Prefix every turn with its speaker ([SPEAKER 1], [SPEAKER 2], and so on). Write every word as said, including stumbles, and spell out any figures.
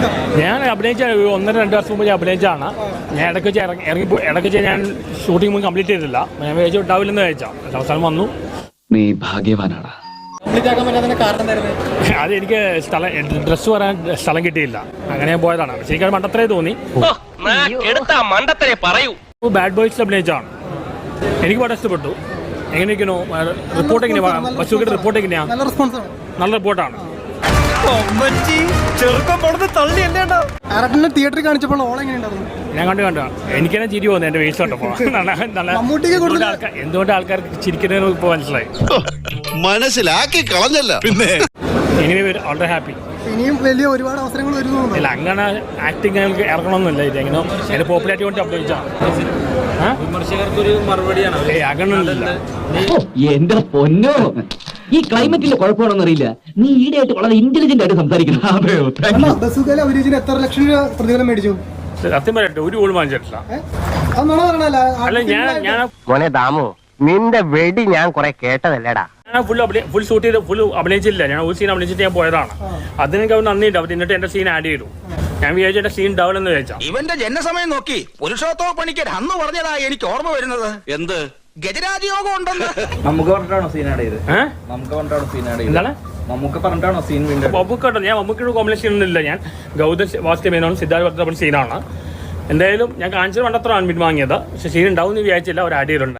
[SPEAKER 1] ഞാൻ അഭിനയിച്ച ഒന്നര രണ്ട് വർഷം മുമ്പ് ഞാൻ അഭിനയിച്ചാണ്. ഞാൻ ഇടയ്ക്ക് വെച്ച് ഇറങ്ങി ഇറങ്ങി ഇടയ്ക്ക് വെച്ച് ഞാൻ ഷൂട്ടിംഗ് മുമ്പ് കംപ്ലീറ്റ് ചെയ്തില്ല. ഞാൻ വിചാരിച്ചു ഉണ്ടാവില്ലെന്ന് കഴിച്ചാൽ അവസാനം വന്നു.
[SPEAKER 2] നീ ഭാഗ്യവാനാണ്.
[SPEAKER 1] അത് എനിക്ക് സ്ഥലം ഡ്രസ്സ് പറയാൻ സ്ഥലം കിട്ടിയില്ല, അങ്ങനെ ഞാൻ പോയതാണ്. ശരിക്കും അത് മണ്ടത്തരേ തോന്നി. ബാഡ് ബോയ്സിൽ അഭിനയിച്ചാണ്. എനിക്ക് വളരെ ഇഷ്ടപ്പെട്ടു. എങ്ങനെയൊക്കെയാണോ റിപ്പോർട്ട് എങ്ങനെയാണ് ബസ്സുകളുടെ റിപ്പോർട്ട് എങ്ങനെയാ? നല്ല റിപ്പോർട്ടാണ്.
[SPEAKER 3] തിയേറ്ററിൽ കാണിച്ചപ്പോൾ
[SPEAKER 1] ഞാൻ കണ്ടു കണ്ടു എനിക്ക് തന്നെ ചിരി പോകുന്നു എന്റെ വേസ്റ്റ് കണ്ടപ്പോൾ. എന്തുകൊണ്ട് ആൾക്കാർക്ക് ചിരിക്കുന്നതിന് ഇപ്പൊ മനസ്സിലായി.
[SPEAKER 4] മനസ്സിലാക്കി കളഞ്ഞല്ല പിന്നെ
[SPEAKER 1] എങ്ങനെ വളരെ ഹാപ്പി.
[SPEAKER 3] ഇനിയും വലിയ ഒരുപാട് അവസരങ്ങൾ വരുന്നുണ്ട്.
[SPEAKER 1] ഇല്ല, അങ്ങനെ ആക്ടിങ് ഞങ്ങൾക്ക് ഇറങ്ങണമെന്നില്ല. ഇത് എങ്ങനെ എന്റെ പോപ്പുലാരിറ്റി കൊണ്ട് അഭിനയിച്ചാണ്.
[SPEAKER 5] വിമർശകർക്കൊരു മറുപടിയാണ്.
[SPEAKER 1] അങ്ങനെയൊന്നുമില്ല.
[SPEAKER 2] എന്റെ പൊന്നോ, ഈ ക്ലൈമറ്റിന്റെ കുഴപ്പമാണെന്ന് അറിയില്ല. നീ ഈടെയായിട്ട് വളരെ ഇന്റലിജന്റ് ആയിട്ട് സംസാരിക്കുന്നു.
[SPEAKER 3] എത്ര ലക്ഷം രൂപ പ്രതിഫലം മേടിച്ചു?
[SPEAKER 1] സത്യം പറയട്ടെ, ഒരു ഗോൾ വാങ്ങിച്ചിട്ടില്ല. അല്ല ഞാൻ ഞാൻ
[SPEAKER 6] മോനെ ദാമു, നിന്റെ വെടി ഞാൻ കുറെ കേട്ടതല്ലേടാ.
[SPEAKER 1] ഞാൻ ഫുൾ ഫുൾ ഷൂട്ട് ചെയ്ത് ഫുൾ അഭിനയിച്ചില്ല. ഞാൻ ഒരു സീൻ അഭിനയിച്ചിട്ട് ഞാൻ പോയതാണ്. അതിനൊക്കെ അവർ നന്ദിയുണ്ട്. അവർ എന്നിട്ട് എന്റെ സീൻ ആഡ് ചെയ്തു. ഞാൻ വിചാരിച്ചു എന്റെ സീൻ ഉണ്ടാവില്ലെന്ന് വിചാരിച്ചാ.
[SPEAKER 7] ഇവന്റെ ജനസമയം നോക്കി പുരുഷോത്തമ പണിക്കർ അന്ന് പറഞ്ഞതാ എനിക്ക് ഓർമ്മ വരുന്നത്. എന്ത് ഗജരാജയോഗം ഉണ്ടെന്ന്
[SPEAKER 5] നമുക്ക് പറഞ്ഞിട്ടാണോ സീൻ ആഡ് ചെയ്ത്? നമുക്ക് പറഞ്ഞിട്ടാണോ സീൻ ആഡ് ചെയ്ത്?
[SPEAKER 1] എന്താണ്
[SPEAKER 5] നമുക്ക് പറഞ്ഞിട്ടാണോ സീൻ വീണ്ടും?
[SPEAKER 1] മമ്മൂക്കട്ടോ, ഞാൻ മമ്മൂക്കൊരു കോമ്പിനേഷൻ ഒന്നുമില്ല. ഞാൻ ഗൗതം വാസുദേവനോടും സിദ്ധാർത്ഥ ഭദ്രപ്പൻ സീനാണ്. എന്തായാലും ഞാൻ കാണിച്ചത് പണ്ടത്ര ആൺമിൻ വാങ്ങിയത്. പക്ഷെ സീൻ ഉണ്ടാവും എന്ന് വിചാരിച്ചില്ല. അവർ ആഡ് ചെയ്തിട്ടുണ്ട്.